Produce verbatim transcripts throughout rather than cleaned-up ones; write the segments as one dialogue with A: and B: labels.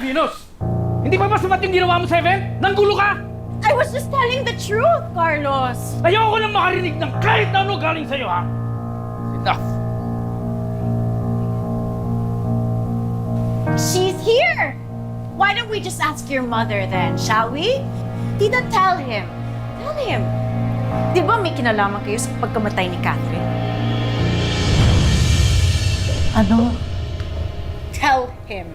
A: Venus! Hindi ba masamat yung ginawa mo, Seven? Nanggulo ka!
B: I was just telling the truth, Carlos!
A: Ayoko nang makarinig ng kahit na ano galing sa'yo, ha? Enough!
B: She's here! Why don't we just ask your mother then, shall we? Tita, tell him. Tell him. Di ba may kinalaman kayo sa pagkamatay ni Catherine?
C: Ano?
B: Tell him.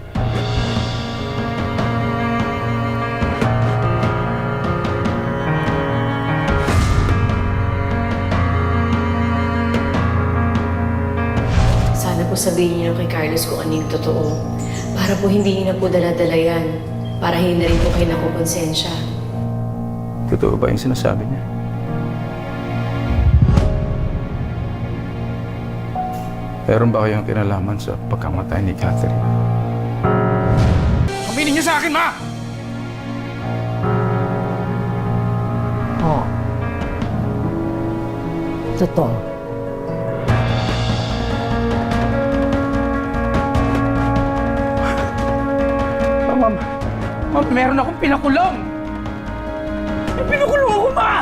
D: Sana po sabihin niyo kay Carlos kung ano yung totoo. Para po hindi niyo na po dala-dala yan. Para hindi na rin po kayo nakukonsensya.
A: Totoo ba yung sinasabi niya? Meron ba kayong kinalaman sa pagkamatay ni Catherine? Aminin niyo sa akin, Ma!
C: Oo. Totoo.
A: Oh, Ma'am, Ma'am, meron akong pinakulong! May pinakulong ako, Ma!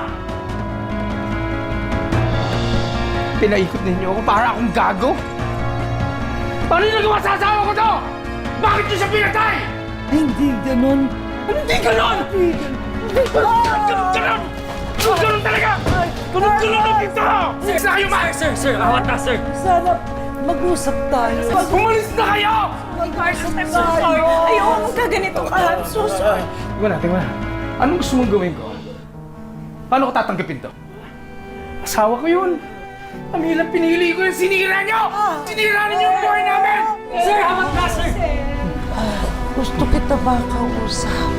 A: Pinaikot ninyo ako para akong gago? Paano yung nagawa sa asawa ko to? Bakit niyo siya pinatay?
C: Hindi ganun.
A: Ano hindi ganon? Hindi ganon! Ganon, ganon! Ganon, ganon talaga! Ganon, ganon ang dito! Sige na kayo, Ma!
E: Sir, sir, awat na, sir.
C: Sana mag-usap tayo.
A: Umalis na kayo!
B: Carlos, I'm so sorry. Ayoko magkaganito ka. I'm so sorry.
A: Tingnan na, tingnan na. Anong gusto mong gawin ko? Paano ko tatanggapin to? Asawa ko yun. Ang hirap pinili ko yung sinira niyo! Sinira niyo yung buhay namin!
E: Sir, awat na, sir.
C: Gusto kita ba kausap?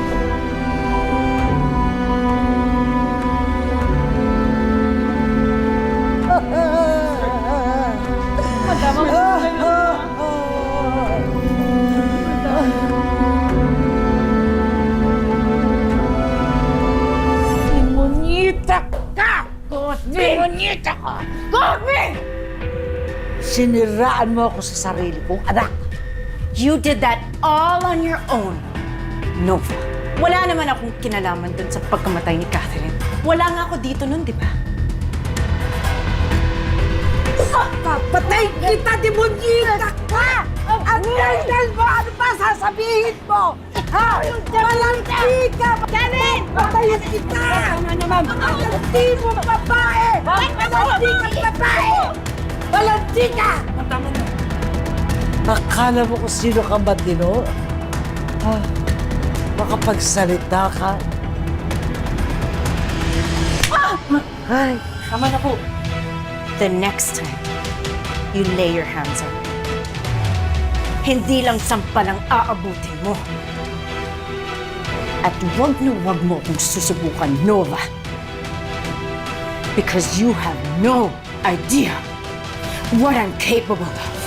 B: Simonita ka! Simonita ka! Gobi!
C: Siniraan mo ako sa sarili kong anak.
B: You did that all on your own, Nova. Wala naman akong kinalaman dun sa pagkamatay ni Catherine. Wala nga ako dito nun, di ba?
C: Papatay kita, demonyita ka! Ang daldal mo! Ano pa sasabihin mo? Ha? Walanti ka!
B: Catherine!
C: Patayin kita!
B: Tama naman.
C: Walanti mo, babae! Walanti ka, babae! Walanti ka!
E: Tama na.
C: Akala mo kung sino ka ba, Dino? Ah, makapagsalita ka. Ay,
B: Tama na po. The next time, you lay your hands on me. Hindi lang sampal ang aabutin mo. At wag na wag mo akong susubukan, Nova. Because you have no idea what I'm capable of.